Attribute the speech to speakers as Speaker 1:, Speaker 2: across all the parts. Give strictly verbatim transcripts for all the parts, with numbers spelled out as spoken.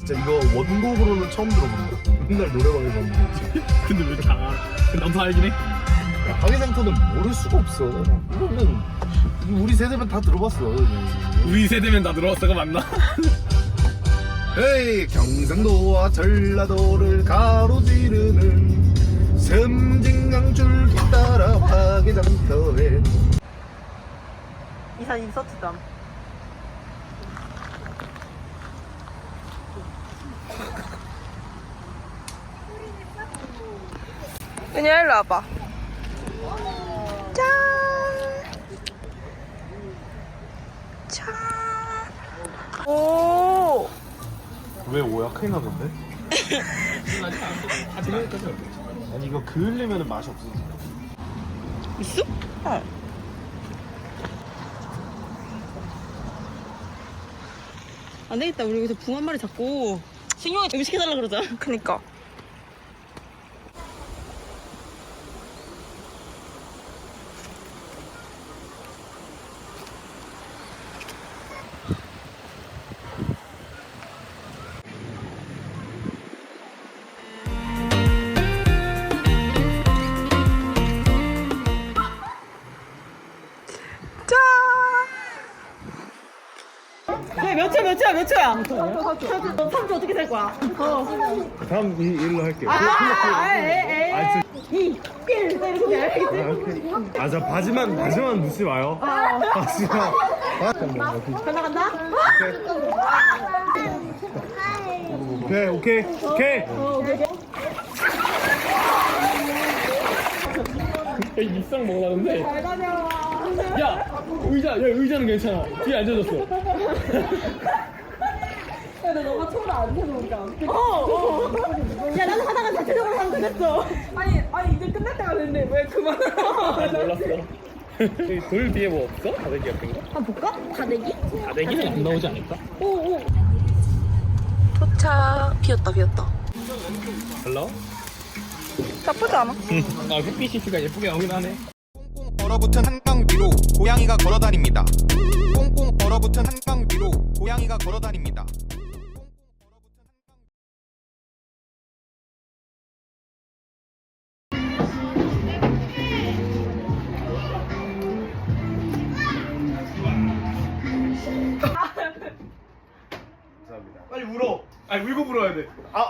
Speaker 1: 진짜 이거 원곡으로는 처음 들어본다. 맨날 노래방에서 듣지.
Speaker 2: 근데 왜 다 알아? 나도 알긴 해.
Speaker 1: 하기상토는 모를 수가 없어. 이거는 우리 세대면 다 들어봤어.
Speaker 2: 우리 세대면 다 들어왔어가 맞나?
Speaker 1: 에이, 경상도와 전라도를 가로지르는 섬진강줄기 따라 화개장터에
Speaker 3: 이산 인서트담. 은희야 일로 와봐. 짠. 짠. 오.
Speaker 1: 왜 오야? 큰일 나던데? 아니 이거 그을리면 맛이 없어.
Speaker 3: 있어? 어. 안 되겠다. 우리 여기서 붕 한 마리 잡고 승용이 음식해달라 그러자. 그니까. 야, 몇 초, 몇 초야, 몇 초야? 삼 초, 삼 초 어떻게 살 거야? 어.
Speaker 1: 다음 이 일로 할게요.
Speaker 3: 아, 아, 에이,
Speaker 1: 아,
Speaker 3: 이, 일, 이렇게 알겠지?
Speaker 1: 아, 자 바지만 바지만 묻지 마요. 바지만.
Speaker 3: 간다, 간다?
Speaker 1: 오케이 오케이 오케이.
Speaker 3: 어, 오케이, 오케이.
Speaker 2: 야, 입상 먹으라는데.
Speaker 3: 잘 다녀와.
Speaker 2: 야, 의자, 야, 의자는 괜찮아. 뒤에 앉아줬어.
Speaker 3: 야, 나 너가 초를 안 해놓으니까. 어, 어. 야, 나도 하다가 자체적으로 하면 되겠어. 아니, 아니, 이제 끝날 때가 됐네. 왜 그만을
Speaker 2: 아, 몰랐어. 여기 돌 뒤에 뭐 없어? 다대기 같은 거?
Speaker 3: 한번 볼까? 다대기?
Speaker 2: 다대기는 안 나오지 않을까?
Speaker 3: 오, 오. 도착. 비었다, 비었다.
Speaker 2: 달라?
Speaker 3: 나쁘지 않아.
Speaker 2: 아, 햇빛이 씨가 예쁘게 나오긴 하네.
Speaker 4: 꽁꽁 얼어붙은 한강 위로 고양이가 걸어다닙니다. 꽁꽁 얼어붙은 한강 위로 고양이가 걸어다닙니다.
Speaker 1: 빨리 울어.
Speaker 2: 아니, 울고 불어야 돼.
Speaker 1: 아.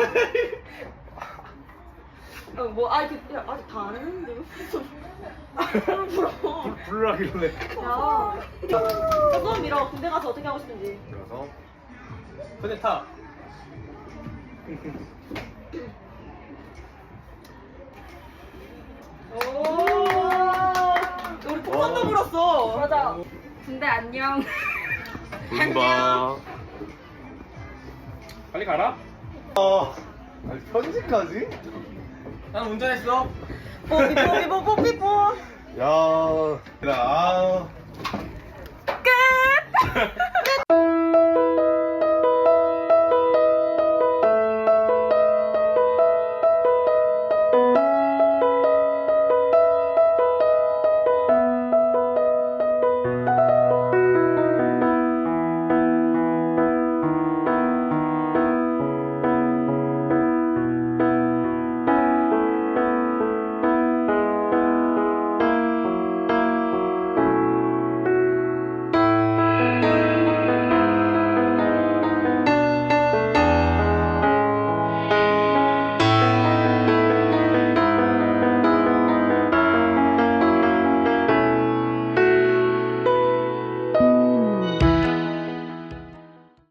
Speaker 3: 어, 뭐, 아, 그, 야, 아직 다 안 했는데. 왜 불어?
Speaker 1: 부르라길래.
Speaker 3: 야. 조금 밀어. 군대 가서 어떻게 하고 싶은지.
Speaker 1: 그래서
Speaker 2: 근데 타.
Speaker 3: 오. 우리 폭탄도 불었어. 맞아. 군대 안녕.
Speaker 1: 봐.
Speaker 2: 빨리 가라.
Speaker 1: 아, 아니, 편지까지?
Speaker 2: 난 운전했어.
Speaker 3: 뽀삐 뽀삐 뽀삐 뽀.
Speaker 1: 야, 아.
Speaker 3: 끝.